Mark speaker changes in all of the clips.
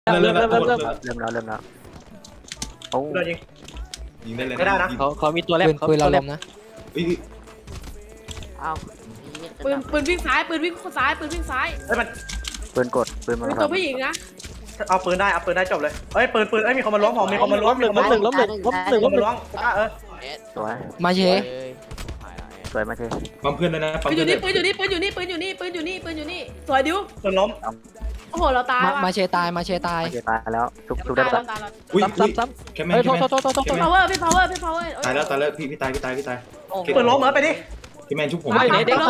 Speaker 1: เริ่มแล้ว
Speaker 2: โอ้
Speaker 3: โดนยิง
Speaker 1: ยิงได้เลย
Speaker 3: ไม่ได้นะ
Speaker 4: เขามีตัวแรก
Speaker 2: ปืนเราล้มนะ
Speaker 1: อุ้ย
Speaker 5: อ้าว
Speaker 6: ปืนวิ่งซ้ายปืนวิ่งซ้ายปืนวิ่งซ้าย
Speaker 3: เฮ้ยมัน
Speaker 2: ปืนกดปืนมัน
Speaker 6: เป็นตัวผู้หญิงนะ
Speaker 3: เอาปืนได้จบเลยเฮ้ยปืนมีคนมาล้วงผมมีคนมาล้วง
Speaker 4: ล้มหนึ่ง
Speaker 3: มีคนมาล้วง
Speaker 2: สวย
Speaker 5: มาเช
Speaker 2: สวยมาเช
Speaker 1: ปั๊มเพื่อนด้วยนะปั๊ม
Speaker 6: ปืนอ
Speaker 1: เพื่อน
Speaker 6: ยู่
Speaker 1: ด้วย
Speaker 6: นี่ปืนอยู่นี่ปืนอยู่นี่ปืนอยู่นี่ปืนอยู่นี่สวยดิว
Speaker 3: ปืนล้ม
Speaker 6: โอ้โหเราตายว่ะ
Speaker 2: มาเชตายตายแล้วทุกได้
Speaker 6: ตาย
Speaker 2: ปะ
Speaker 6: เรา
Speaker 1: อุ้ย
Speaker 4: ซ้ำ
Speaker 1: แค่แม่
Speaker 4: เฮ้ย
Speaker 1: แค่
Speaker 4: โทษ
Speaker 1: แม่
Speaker 4: โทษ
Speaker 6: พี่ power พี่ power พี่ power
Speaker 1: ตายแล้วพี่ตาย
Speaker 3: ปืนล้มเหรอไปดิ
Speaker 1: พี่แมนชุบผม
Speaker 6: รับ
Speaker 4: เด็ก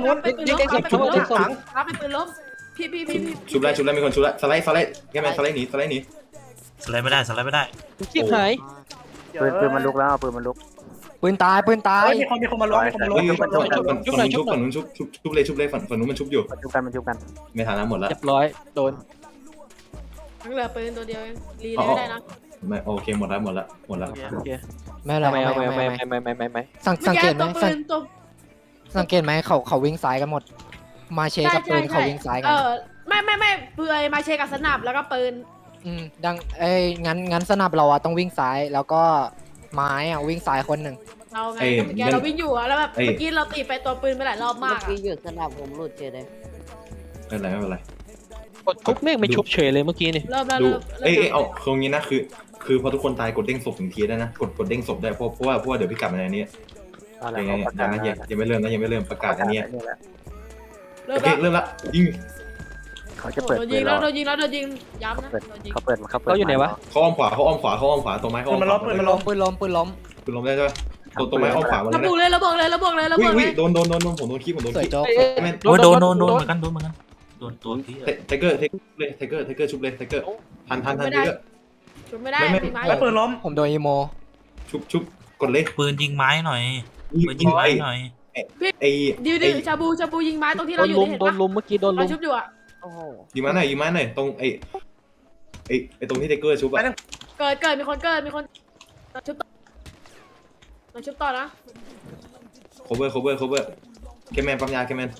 Speaker 6: รับเป็นปืนล้มพี่
Speaker 1: ชุบแล้วมีคนชุบแล้วสไลด์แค่แมนสไลด์หนี
Speaker 7: สไลด์ไม่ได้
Speaker 4: ชิบหาย
Speaker 2: ปืนมันลุกแล้วปืนมันลุกปืนตาย
Speaker 3: มีคนมาล้วง
Speaker 1: ฝั่งนู้นชุบเลยฝั่งนู้นมันชุบอยู่
Speaker 2: มันชุบกัน
Speaker 1: ไม่ทันแล้วหมดแล้ว
Speaker 4: เรียบร้อยโดน
Speaker 6: เหลือปืนตัวเดียวเองรีเลยไม่ได้นะ
Speaker 1: ไม่โอเคหมดแล้ว
Speaker 4: โอเค
Speaker 2: ไม่
Speaker 4: ไม่
Speaker 2: สังเกตไหม
Speaker 6: ปืนตัว
Speaker 2: สังเกตไหมเขาวิ่งซ้ายกันหมดมาเชกับปืนเขาวิ่งซ้ายกัน
Speaker 6: ไม่เปื่อยมาเชกับสนับแล้วก็ปืน
Speaker 2: ดังงั้นสนับเราอะต้องวิ่งซ้ายแล้วก็ไม้อะวิ่งซ้ายคนหนึ่ง
Speaker 6: เราไงเมื่อกี้เราวิ่งอยู่แล้วแบบเมื่อกี้เราตีไปตัวปืนไปหลายรอบ
Speaker 5: เมื่
Speaker 6: มา
Speaker 5: อก กี้หยุดสนับผมหลุดเฉยเลย
Speaker 1: ไม่เป็นไร
Speaker 4: กดชุบเมฆไม่ชุบเฉยเลยเมื่อกี้นี่
Speaker 6: เริ่มแล้ว
Speaker 1: ดู
Speaker 6: เริ่ม
Speaker 1: เอาตรงนี้นะคือพอทุกคนตายกดเด้งศพถึงทีได้นะกดเด้งศพได้เพราะว่าเดี๋ยวพี่กลับมาในนี้ยังไม่เริ่มประกาศอันนี้โอเคเริ่มละยิง
Speaker 2: เขาจะเปิด
Speaker 6: โดน
Speaker 2: ปื
Speaker 6: ยิ
Speaker 2: น
Speaker 6: ง
Speaker 2: เรา
Speaker 6: แล้วโดนยิงย้ำนะโดนยิง
Speaker 2: เขาเปิด
Speaker 4: เขาอยู่ไหนวะ
Speaker 1: เขาอ้อมขวาตัวไม้เขาอ้อมขวา
Speaker 3: ปืนล้ม
Speaker 2: ปืนล้ม
Speaker 1: คุณล้มได้ใช่ไหมตัวไม้อ้อมขวามัน
Speaker 6: ระบุเลยระบุเลย
Speaker 1: โดนผมโดนคีบ
Speaker 2: สวยโจ๊ก
Speaker 7: โอ้ยโดนเหมือนกันโดนตัวที่
Speaker 1: ไทเกอร์ชุบเลยไทเกอร์ทันไทเกอร์
Speaker 6: ชุบไม่ได้มีไม้
Speaker 3: แล้วปืนล้ม
Speaker 2: ผมโดนอีโม
Speaker 1: ชุบกดเลย
Speaker 7: ปืนยิงไม้หน่อยปืนยิงไม้หน่อย
Speaker 1: ไอ้
Speaker 6: ดิวชาบูยิงไม้ตรงที่
Speaker 4: โด
Speaker 6: เรา
Speaker 4: น
Speaker 6: อยู่
Speaker 4: ลุม
Speaker 6: เห็น
Speaker 4: โด
Speaker 6: ปะ
Speaker 4: นลุมเมื่อกี้โดนลุ
Speaker 6: เรา
Speaker 4: ม
Speaker 6: ชุบอยู่อ่ะ
Speaker 5: โอ้โห
Speaker 1: ยิงมาหน่อยตรงไอ้ตรงที่ไทเกอร์ชุบอะ
Speaker 6: เกิดมีคนเราชุบต่อนะ
Speaker 1: cover แคมแมนปั๊มยาแคมแมน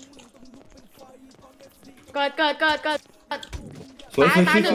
Speaker 6: เกิด
Speaker 1: สวย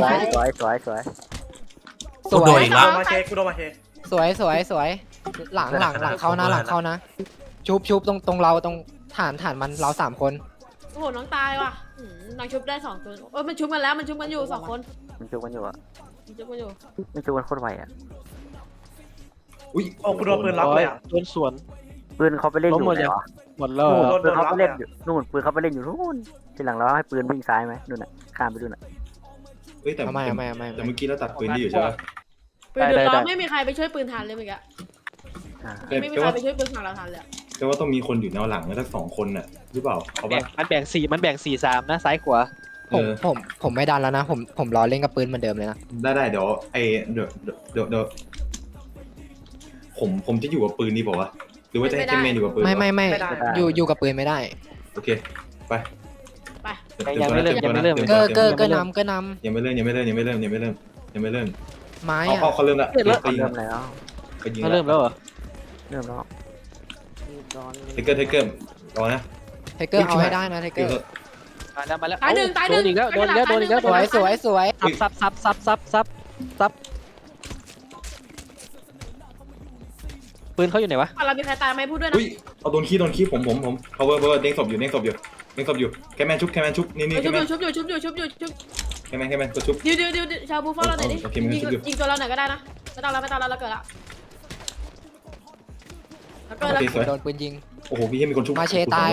Speaker 7: กูโดนอีกแล้ว
Speaker 3: มาเชกูโดนมาเช
Speaker 2: สวยหลังเข้านะชุบตรงเราตรงฐานมันเรา3 คน
Speaker 6: โอ้โหน้องตายว่ะน้องชุบได้2ตัวมันชุบกันแล้วมันชุบกันอยู่2 คน
Speaker 2: มันชุบกันอยู่อะ
Speaker 6: มันชุบกันอยู่
Speaker 2: มันชุบกันโคตรไวอะ
Speaker 1: อุ้ย
Speaker 3: โอ้กูโดนปืนรับเลยอ่ะ
Speaker 4: โดนสวน
Speaker 2: ปืนเขาไปเล่นอยู่ไหนวะ
Speaker 4: หมดแล้ว
Speaker 2: ปืนเขาไปเล่นอยู่นู่นปืนเขาไปเล่นอยู่นู่นทีหลังเราให้ปืนวิ่งซ้ายไหมนู่นน่ะข้ามไปดูน่ะ
Speaker 1: แต่
Speaker 2: ไม่
Speaker 1: แต่เมื่อกี้เราตัดปืนได้อยู่ใช่ไหม
Speaker 6: ปืนเดือดร้อนไม่มีใครไปช่วยปืนทันเลยเมื่อกี้ไม่มีใครไปช่วยปืนฝั่งเราทันเลย
Speaker 1: แต่ว่าต้องมีคนอยู่แนวหลังนะทั้ง2 คนน่ะหรือเปล่าเขาว่า
Speaker 4: มันแบ่ง4-3นะซ้ายขวา
Speaker 2: ผมไม่ดันแล้วนะผมรอเล่นกับปืนเหมือนเดิมเลยนะ
Speaker 1: ได้เดี๋ยวเดี๋ยวผมจะอยู่กับปืนดีเปล่าวะหรือว่าจะให้แคมแมนอยู่กับปืน
Speaker 2: ไม่อยู่กับปืนไม่ได้
Speaker 1: โอเคไป
Speaker 4: ยังไม่เริ่ม
Speaker 2: เกอร์นำ
Speaker 1: ยังไม่เริ่ม
Speaker 2: ไม้อะ
Speaker 1: เขาเริ่มละ
Speaker 2: เริ่มแล้ว
Speaker 1: ไปยิง
Speaker 4: เขาเริ่มแล้วเหรอ
Speaker 2: เริ่มแล้ว
Speaker 5: ยืดร้อน
Speaker 1: ไทเกอร์รอนะ
Speaker 2: ไทเกอร์เอาให้ได้นะไทเกอร์
Speaker 4: มาแล้ว
Speaker 6: ตายหนึ่ง
Speaker 4: โดนอีกแล้วโดนอีกแล้ว
Speaker 2: สวย
Speaker 4: ซับปืนเขาอยู่ไหนวะ
Speaker 6: เรามีใครตายไหมพูดด้วยนะ
Speaker 1: อุ้ยเอาโดนขี้ผม power เด้งศพอยู่แคมแมนชุบนี่แคมแมน
Speaker 6: ชุบอยู่
Speaker 1: แคมแมนกดชุบ
Speaker 6: ดิวชาบูฟอลเราหน่อยดิยิงตัวเราหน่อยก็ได้นะไม่ต้องเราเกิดละแล้วเกิด
Speaker 1: โอ
Speaker 6: แล้ว
Speaker 1: เคสวย
Speaker 2: โดนปืนยิง
Speaker 1: โอ้โหพี่ยังมีคนชุบ
Speaker 2: มาเชตาย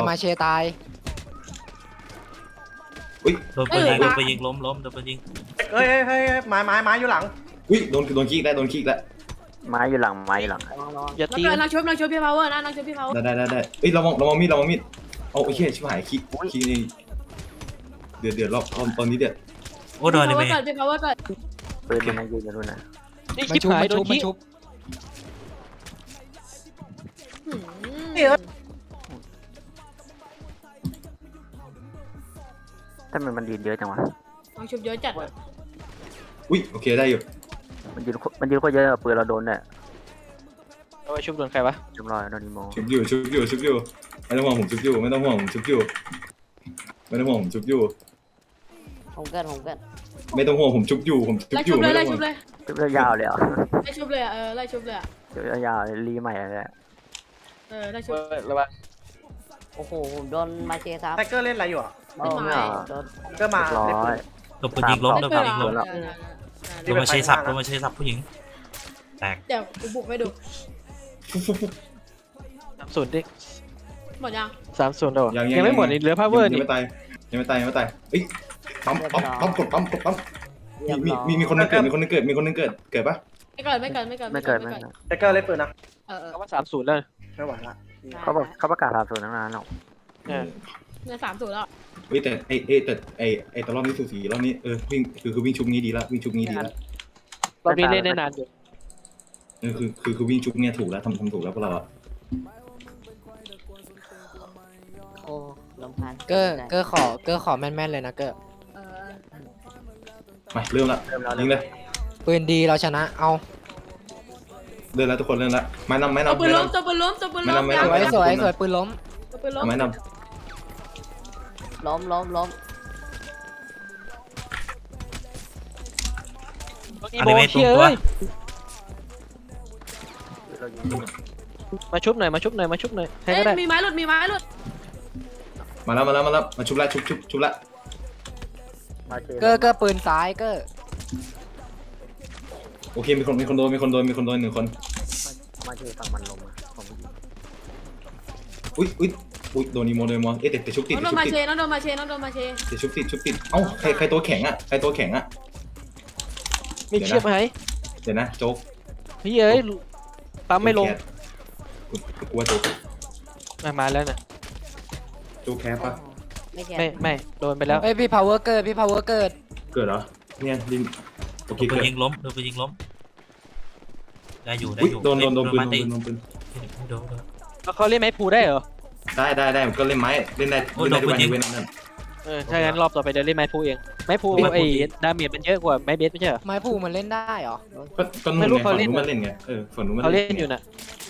Speaker 1: อุ้ย
Speaker 7: โดนปืนยิงล้มโดนปืนยิง
Speaker 3: เฮ้ยไม้อยู่หลัง
Speaker 1: อุ้ยโดนขี้แล้ว
Speaker 2: ไม้อยู่หลัง
Speaker 5: ลอง
Speaker 4: อย่า
Speaker 6: แล้ว
Speaker 4: ตี
Speaker 6: เกิดนางชุบพี่พาวเวอร์นะนางชุบพี่พาวเวอร์
Speaker 1: ได้เอ้ยระวังมีดเอาไอ้เหี้ยชิบหายขี้นี่เดือดรอบตอนนี้เดือด
Speaker 7: โอ้โดนเลย
Speaker 6: พี่พาวเวอร์เกิด
Speaker 2: ปืนมันยืนอยู่นู่นนะ
Speaker 4: นี่ชิบหายโดนขี้
Speaker 2: ถ้ามันยืนเยอะจังวะ
Speaker 6: นางชุบเยอะจัด
Speaker 1: อุ้ยโอเคได้อยู่
Speaker 2: มันยืนโคตรเยอะปืนเราโดนเนี่ย
Speaker 4: เอาไปชุบโดนใครวะ
Speaker 2: จำรอยโดนอีโม
Speaker 1: ชุบอยู่ไม่ต้องห่วงผมชุบอยู่
Speaker 5: ผมเกิด
Speaker 1: ไม่ต้องห่วงผมชุบอยู่ผมชุบ
Speaker 6: ไล่
Speaker 1: อ
Speaker 6: ชุ
Speaker 1: ยู่
Speaker 6: บเลย
Speaker 1: ไม่
Speaker 6: ไล่
Speaker 1: ต้องห่
Speaker 6: ชุ
Speaker 1: ว
Speaker 6: บ
Speaker 1: ง
Speaker 6: เลย
Speaker 3: ชุบยาวๆเลยเหรอ
Speaker 6: ไล่ชุบเลยไล่ชุบเลย
Speaker 3: ชุบยาวๆเลยรีใหม่เลย
Speaker 6: ไล่ชุบ
Speaker 4: ระวัง
Speaker 5: โอ้โหผมโดนมาเชซับ
Speaker 3: ไทเกอร์เล่นอะไรอยู่อ่ะ
Speaker 5: โอ้ไม่โดน
Speaker 3: ก็มา
Speaker 7: โดนปืนยิงล้มโดนปืนยิงล้ม
Speaker 6: เ
Speaker 7: โดนมาเชสับโดนมาเชสับผู้หญิงแตก
Speaker 6: เดี๋ยวกูบุกให้ดู
Speaker 4: 30ดิ
Speaker 6: หมดยัง
Speaker 4: 30แล้วยังไม่หมดนี่เหลือพาวเวอร์
Speaker 1: ยัง
Speaker 4: นี่
Speaker 1: ไม่ตายยังไม่ตายยังไม่ตายเอ้ยปั๊มกดปั๊ม
Speaker 5: เรียบ
Speaker 1: มี
Speaker 5: ร้อย
Speaker 1: มีคนนึงเกิดมีคนนึงเกิดปะ
Speaker 6: ไม่เกิน
Speaker 3: ไทเกอร์เล่นปืนนะ
Speaker 4: เขาว่า30แล้ว
Speaker 3: ไม่ไหวละ
Speaker 8: เขาประกาศ30ตั้งนานแล้ว
Speaker 6: เนี่ย30แล้ว
Speaker 1: เฮ้ยแต่ไอตอนรอบนี้สูสีรอบนี้วิ่งคือวิ่งชุบนี้ดีละวิ่งชุบนี้ดีละ
Speaker 4: รอบนี้เล่นได้นานอยู่
Speaker 1: คือวิ่งชุบเนี่ยถูกแล้วทำถูกแล้วพวกเราอะ
Speaker 5: โอ้ลำพัน
Speaker 2: เกอร์ขอแม่นๆเลยนะเกอร์
Speaker 1: มาเริ่มละยิงเลย
Speaker 2: ปืนดีเราชนะเอา
Speaker 1: เริ่มแล้วทุกคนเริ่มแล้วไม้นำ
Speaker 6: ตัวปืนล้มตัวปืนล้ม
Speaker 2: สวยสวยปืนล้ม
Speaker 6: ตัวปืนล้ม
Speaker 1: ไม้น
Speaker 5: ล้ม
Speaker 4: อีโบเชียเอ้ยมาชุบหน่อยใคร
Speaker 6: เอ้
Speaker 4: ก็ได้
Speaker 6: มีไม้หลุด
Speaker 1: ำมาแล้วมาชุบละชุบละ
Speaker 8: มาเช
Speaker 2: เกอร์ปืนซ้ายเกอร์
Speaker 1: โอเคมีคนโดน1คน
Speaker 8: มาเชฝั่งมันลงมาผม
Speaker 1: อุ้ยโดนอีโมเอ๊ะแต่ชุบติด
Speaker 6: น้องโดนมาเชน้องโดนมาเช
Speaker 1: แต่ชุบติดเอ้าใครตัวแข็งอะ
Speaker 4: มีเชือกไหม
Speaker 1: เดี๋ยวนะโจ๊ก
Speaker 4: พี่เอ้ยปั๊มไม่ลง
Speaker 1: กูว่าโจ๊ก
Speaker 4: มาแล้วน่ะ
Speaker 1: โจ๊กแคปปะ
Speaker 5: ไม่แก่
Speaker 4: ไม่โดนไปแล้ว
Speaker 2: เอ้ยพี่ power เกิด
Speaker 1: เกิดเหรอเนี่ยดินโอเค
Speaker 7: โดนปื
Speaker 1: เกิ
Speaker 7: น
Speaker 1: ด
Speaker 7: ยิงล้มโดนปืนยิงล้มได้อยู่
Speaker 1: อุ้ยโดนปืน
Speaker 7: มาตี
Speaker 1: โดนปืน
Speaker 7: โดน
Speaker 4: แล้วเขาเล่นไม้พูได้เหรอ
Speaker 1: ได้ก็เล่นไม้เล่นได้ทุกวันเว้นนั่น
Speaker 4: ถ้างั้นรอบต่อไปเดี๋ยวเล่นไม้พูเองไม้พูไอ้ดาเมจมันเยอะกว่าไม้เบสไม่ใช่เหรอ
Speaker 2: ไม้ผูมันเล่นได้เหรอ
Speaker 1: ก็นู่นไงฝั่งนู้นมันเล่นไงฝั่งนู้นมัน
Speaker 4: เขาเล่นอยู่น่ะ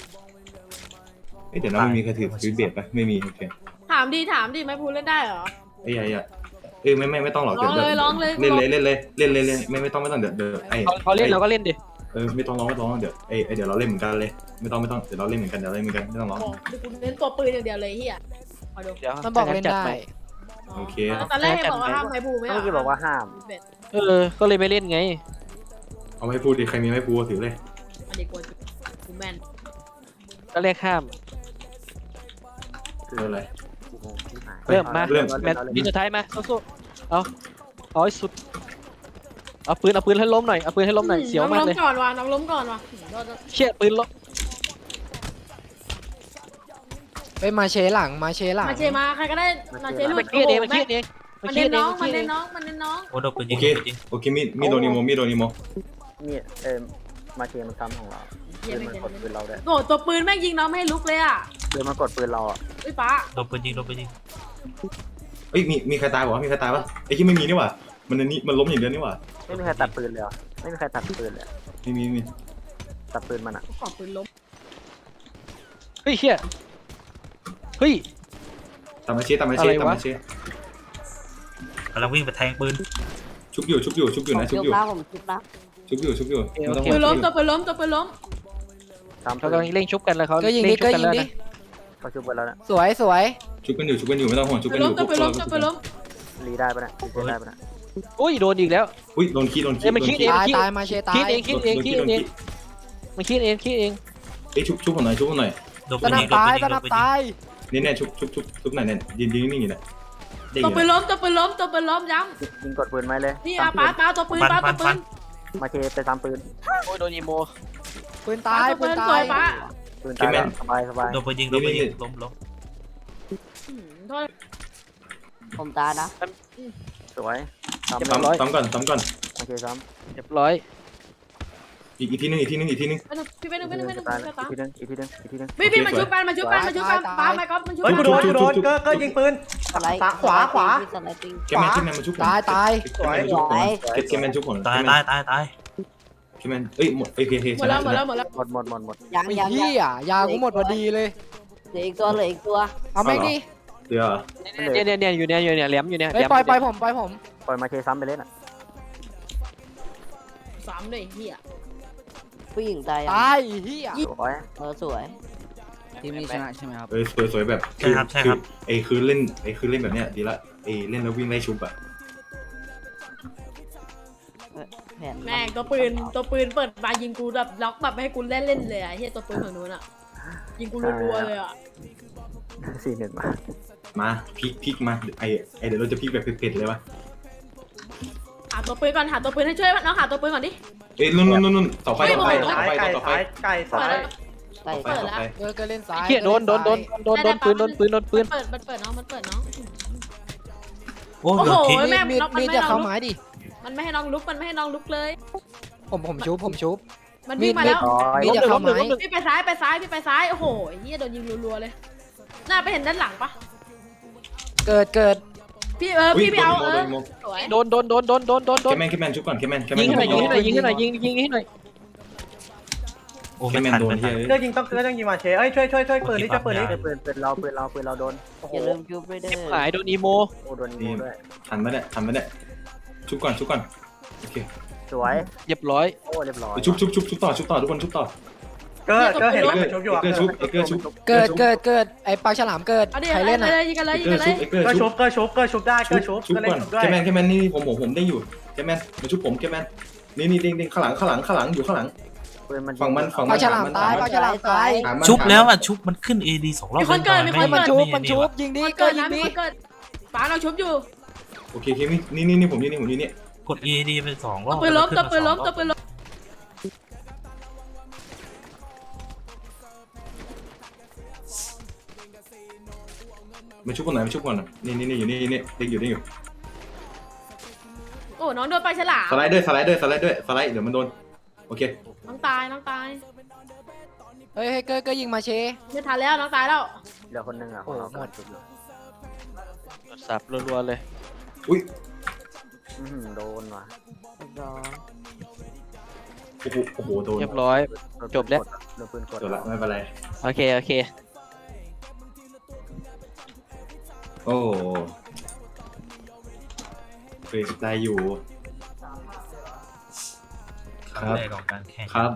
Speaker 1: เดี๋ยวนะไม่มีใครถือเบียดปะไม่มีโอเค
Speaker 6: ถามดิไม้พูเล่นได้เหรอ
Speaker 1: ไอ้ใหญ่ไม่ต้องหรอก
Speaker 6: ร้องเลย
Speaker 1: เล่นไม่ต้องเดี๋ยว
Speaker 4: เขาเล่นเราก็เล่นดิ
Speaker 1: ไม่ต้องร้องเดี๋ยวเดี๋ยวเราเล่นเหมือนกันเลยไม่ต้องเดี๋ยวเราเล่นเหมือนกันไม่ต้องร้อง
Speaker 6: โอ้กูเน้นตัวปืนอย่างเดียวเลยเฮียมาดู
Speaker 4: เดี๋ยว
Speaker 2: มันบอกเล่นได้
Speaker 1: โอเค
Speaker 6: ตอนแรกบอกว่าห้ามไม้พูไม่
Speaker 8: เมื่อกี้บอกว่าห้าม
Speaker 4: ก็เลยไม่เล่นไง
Speaker 1: เอาให้พูดดิใครมีไม่พูดถือเลย
Speaker 6: อันนี้กูแมน
Speaker 4: ก็เรียกข้าม
Speaker 1: คืออะไร
Speaker 4: เริ่มมา
Speaker 1: เริ่ม
Speaker 4: แมตช์บินสุดท้ายมาสู้ๆเอาให้สุดเอาปืนให้ล้มหน่อยเสียวมากเลย
Speaker 6: น้องล้มก่อนว่ะ
Speaker 4: เชี่ยปืนล้ม
Speaker 2: ไปมาเชหลัง
Speaker 6: มาเชมาใครก็ได้มาเชหลุ
Speaker 4: มั
Speaker 6: ด
Speaker 4: นเครียดเองมันเครียดเอง
Speaker 6: มันเน้นน้อง
Speaker 7: โอ้โดนปืนยิ
Speaker 1: โอง เคมีโดนิโม
Speaker 8: นี่มาเชมันซ้ำของเราเดินมากดปืนเราได้
Speaker 6: โอ้ตัวปืนแม่งยิงน้องไม่ให้ลุกเลยอ่ะ
Speaker 8: เดินมากดปืนเราอ่ะ
Speaker 6: ไอ้ป้า
Speaker 7: โดนปืนยิง
Speaker 1: เอ้ยมีใครตายบอกว่ามีใครตายปะไอ้ที่ไม่มีนี่หว่ามันล้มอย่างเดียวนี่หว่า
Speaker 8: ไม่มีใครตัดปืนเลยไม่มีใครตัดปืนเลย
Speaker 1: มี
Speaker 8: ตัดปืนมันอ่ะ
Speaker 6: ขอปืนล้ม
Speaker 4: เฮ้ยเชี่ยเฮ้ย
Speaker 1: ตามมาเชกำ
Speaker 7: ลังวิ่งไปแทงปืน
Speaker 1: ชุบอยู่นะชุบอยู่
Speaker 5: ผมชุบแล้ว
Speaker 1: ชุบอยู่ไม่ต้อง
Speaker 6: ปืนล้มตัวปืนล้ม
Speaker 8: ตาม
Speaker 4: เขากำลังเร่งชุบกันแล้วเขา
Speaker 2: ก็ยิงดิ
Speaker 8: เขาชุบไปแล้วนะ
Speaker 2: สวย
Speaker 1: ชุบกันอยู่ไม่ต้องห่วงชุบ
Speaker 6: ปื
Speaker 1: กัน
Speaker 6: น
Speaker 1: อ
Speaker 6: ล้ม
Speaker 1: ยู่
Speaker 6: ตัวปืนล้ม
Speaker 8: รีได้ปะเนี่ยรีได้ปะเนี่ย
Speaker 4: อุ้ยโดนอีกแล้ว
Speaker 1: อุ้ยโดนขี้
Speaker 2: ตายมาเชตาย
Speaker 4: คิดเองมันคิดเอง
Speaker 1: เอ้ยชุบผมหน่อย
Speaker 7: โดน
Speaker 2: ส
Speaker 7: ปืน
Speaker 2: นั
Speaker 7: ยิ
Speaker 2: บ
Speaker 7: งโดน
Speaker 2: ตาย
Speaker 7: ปืนยิง
Speaker 2: สนับตาย
Speaker 1: เนี่ยชุบไหนเนี่ยยืนนิ่งอยู่เนี่ย
Speaker 6: ตัวปืนล้มย้
Speaker 8: ยิงกดปืนไหมเลย
Speaker 6: ำนี่ป้าตัวปืน
Speaker 8: มาเชไปซ้ำปืน
Speaker 4: โอ้ยโดนอีโม
Speaker 2: ปืนตาย
Speaker 6: ปืนสวยป้า
Speaker 8: ปืนตายสบาย
Speaker 7: โดนปืนยิงล้ม
Speaker 6: โทษ
Speaker 5: ผมตายนะ
Speaker 8: สวยซ้ำ
Speaker 1: ซ้ำก่อน
Speaker 8: มาเชซ้
Speaker 4: เรียบร้อย
Speaker 1: อีกทีนึง
Speaker 6: พี่ไปนึง
Speaker 8: ำอีกทีนึง
Speaker 6: พี่มาชุบกันป้าไม่ก็มันชุบ
Speaker 3: เฮ้ยกูโดนก็ยิงปืน
Speaker 5: สไลด์
Speaker 3: ขวา
Speaker 5: สไลด์ติ้ง
Speaker 1: แกแมนมาชุบ
Speaker 2: ตาย
Speaker 1: แกแมนชุบผม
Speaker 7: ตาย
Speaker 1: แกแมนเอ้ยหมดโอเค
Speaker 6: หมดแล้ว
Speaker 8: หมด
Speaker 5: ยัง
Speaker 2: พี่อ่ะยากูหมดพอดีเลย
Speaker 5: เหลืออีกตัว
Speaker 2: เอาแม่งดิ
Speaker 1: เดี๋ยว
Speaker 4: เนี่ยอยู่เนี่ยแหลมอยู่เนี่ย
Speaker 2: เฮ้ยปล่อยผม
Speaker 8: ปล่อยมาเชซ้ำไปเล่นอ่ะ
Speaker 6: ซ้ำด้วยไอ้เฮีย
Speaker 5: ผู้หญิงตายยัง
Speaker 2: ตายเฮีย
Speaker 8: สวย
Speaker 5: สวย
Speaker 4: ทีมนี้ชนะใช่ไหมครับ
Speaker 1: เอ้ยสวยแบบ
Speaker 7: ใช่ครับใช่ครับ
Speaker 1: คือเล่นแบบเนี้ยดีละเล่นแล้ววิ่งไล่ชุบอะ
Speaker 5: แผน
Speaker 6: แม่งตัวปืนเปิดมายิงกูแบบล็อกแบบไม่ให้กูเล่นเลยอะเฮียตัวปืนฝั่งนู้นอะยิงกูรัวๆเลยอะ
Speaker 8: 4-1มา
Speaker 1: มาพลิกมาเดี๋ยวเราจะพลิกแบบเผ็ดๆเลยวะ
Speaker 6: หาตัวปืนก่อนหาตัวปืนให้ช่วยน้องหาตัวปืนก่อนดิ
Speaker 1: เอ้ยนู่นเสาไฟ
Speaker 6: ไม่
Speaker 1: ต่อไฟ
Speaker 6: บอก
Speaker 1: ต่อไฟ
Speaker 3: ไก่
Speaker 1: ต่อไฟ
Speaker 3: ซ้ายไก่ซ้าย
Speaker 5: ใกล้
Speaker 6: เปิดแล้ว
Speaker 2: ก็เล่นซ้าย
Speaker 4: เฮียโดนปืนโดนปืน
Speaker 6: มันเปิดน้องมันเปิดน้อง
Speaker 7: โอ้
Speaker 6: โอ้
Speaker 7: โด
Speaker 6: โห
Speaker 7: นทิ้ง
Speaker 6: แม่ง
Speaker 2: มีด
Speaker 6: น็อกมัน
Speaker 2: มีด
Speaker 6: ไม่
Speaker 2: จะ
Speaker 6: ให้น้
Speaker 2: เข้า
Speaker 6: องลุก
Speaker 2: ไม้ดิ
Speaker 6: มันไม่ให้น้องลุกมันไม่ให้น้องลุกเลย
Speaker 2: ผมชุบ
Speaker 6: มันวิ่งมาแล้ว
Speaker 2: มีดจะเข้าไม้
Speaker 6: พี่ไปซ้ายพี่ไปซ้ายโอ้โหไอ้เหี้ยโดนยิงรัวๆเลยหน้าไปเห็นด้านหลังปะ
Speaker 2: เกิด
Speaker 6: พี่พี่ไปเอาสวย
Speaker 4: โดน
Speaker 1: แคมแมนชุบก่อนแคมแมน
Speaker 4: ยิงให้หน่อยยิงให้หน่อย
Speaker 7: โอ้
Speaker 1: แค
Speaker 7: ไม่
Speaker 1: มแมน
Speaker 7: ทัน
Speaker 1: โดน
Speaker 7: ไม่ทั
Speaker 1: เฮี
Speaker 7: น
Speaker 1: ย
Speaker 3: เลือกยิงต้องยิงมาเชเอ้ยช่วยปืนนี่ช่วยปืนนี่
Speaker 8: ปืนเราโดน
Speaker 5: อย่าลืมจูบด้วยเด้อ
Speaker 4: หายโดนอีโม
Speaker 8: โอ้โดนยิงด้วย
Speaker 1: ทันไหมเนี่ยชุบก่อนโอเค
Speaker 8: สวย
Speaker 4: เรียบร้อย
Speaker 8: โอ้เรียบร้อย
Speaker 1: ชุบต่อทุกคนชุบต่อ
Speaker 3: เก็เห็นว่าชุบอยู่
Speaker 1: เอกอร์ชุบ
Speaker 2: เกิดไอ้ปลาฉลามเกิด
Speaker 6: เอาดิ
Speaker 2: ใครเล่นอ่ะ
Speaker 6: ยิงกันเลยยิง
Speaker 1: เอ
Speaker 6: กัน
Speaker 1: อ
Speaker 6: เลย
Speaker 1: ชุบเอกอร์
Speaker 3: ก็
Speaker 1: ชุ
Speaker 3: ชุ
Speaker 1: บบ
Speaker 3: ก็ชุบได้ก็ชุบ
Speaker 1: ชุบ
Speaker 3: ก็เล่
Speaker 1: ก่อน
Speaker 3: นชุบด้วย
Speaker 1: แคมแมนนี่ผมได้อยู่แคมแมนมาชุบผมแคมแมนนี่เด้งข้างหลังอยู่ข้างหลัง
Speaker 8: ปืนมัน
Speaker 1: ฝั่งมัน
Speaker 2: ปลาฉลามตายปลาฉลามตาย
Speaker 7: ชุบแล้วอ่ะชุบมันขึ้น AD 2 รอบ
Speaker 2: มันชุบยิงดิ
Speaker 6: มัน
Speaker 2: เกิ
Speaker 6: เกิ
Speaker 2: ด
Speaker 6: ด
Speaker 2: ยิ
Speaker 6: นะ
Speaker 2: งดิ
Speaker 6: มันเกิดป๋าเราชุบอยู่
Speaker 1: โอเคนี่ผมนี่
Speaker 7: กด AD ไป2 รอบ
Speaker 6: ปืนล้มตัวปืนล้ม
Speaker 1: มาชุบก่อนนี่อยู่นี่เด็กอยู่
Speaker 6: โอ้น้องโดนปลาฉลาม
Speaker 1: สไลด์ด้วยเดี๋ยวมันโดนโอเค
Speaker 6: น้องตาย
Speaker 2: เฮ้ยเกิดยิงมาเช
Speaker 6: ไม่ทันแล้วน้องตายแล้ว
Speaker 8: เหลือคนนึงอ่ะของเราหมด
Speaker 4: สับรัวๆเลย
Speaker 1: อุ้ย
Speaker 8: โดนว่ะ
Speaker 1: โอ้โหโดน
Speaker 4: เรียบร้อย จบแล้ว
Speaker 8: โดนปืนกด
Speaker 1: จบละไม่เป็นไร
Speaker 4: โอเค
Speaker 1: โอ้เฟรสได้อยู่
Speaker 7: ครั้งแรกของการแข่ง
Speaker 1: ครับ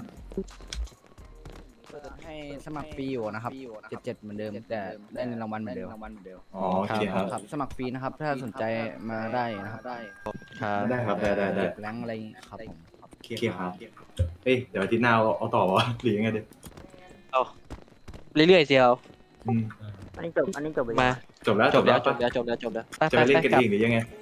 Speaker 9: ให้สมัครฟรีอยู่นะครับ77เหมือนเดิมแต่ได้เงินรางวัลเหมือนเดิม
Speaker 1: อ๋อโอเคครับ
Speaker 9: ครับสมัครฟรีนะครับถ้าสนใจมาได้นะครับ
Speaker 1: ได้ครับได้
Speaker 9: เก็บแรงค์อะไรอย่างงี้ครับผม
Speaker 1: โอเคครับเอ้ยเดี๋ยวอาทิตย์หน้าเอาต่อวะหรือยังไงดิ
Speaker 4: เรื่อยๆเซียว
Speaker 1: อืม
Speaker 8: อันนี้จบไป
Speaker 4: มา
Speaker 1: จบแล้ว
Speaker 4: จบแล้ว
Speaker 1: จะไปเล่นกันเองหรือยังไง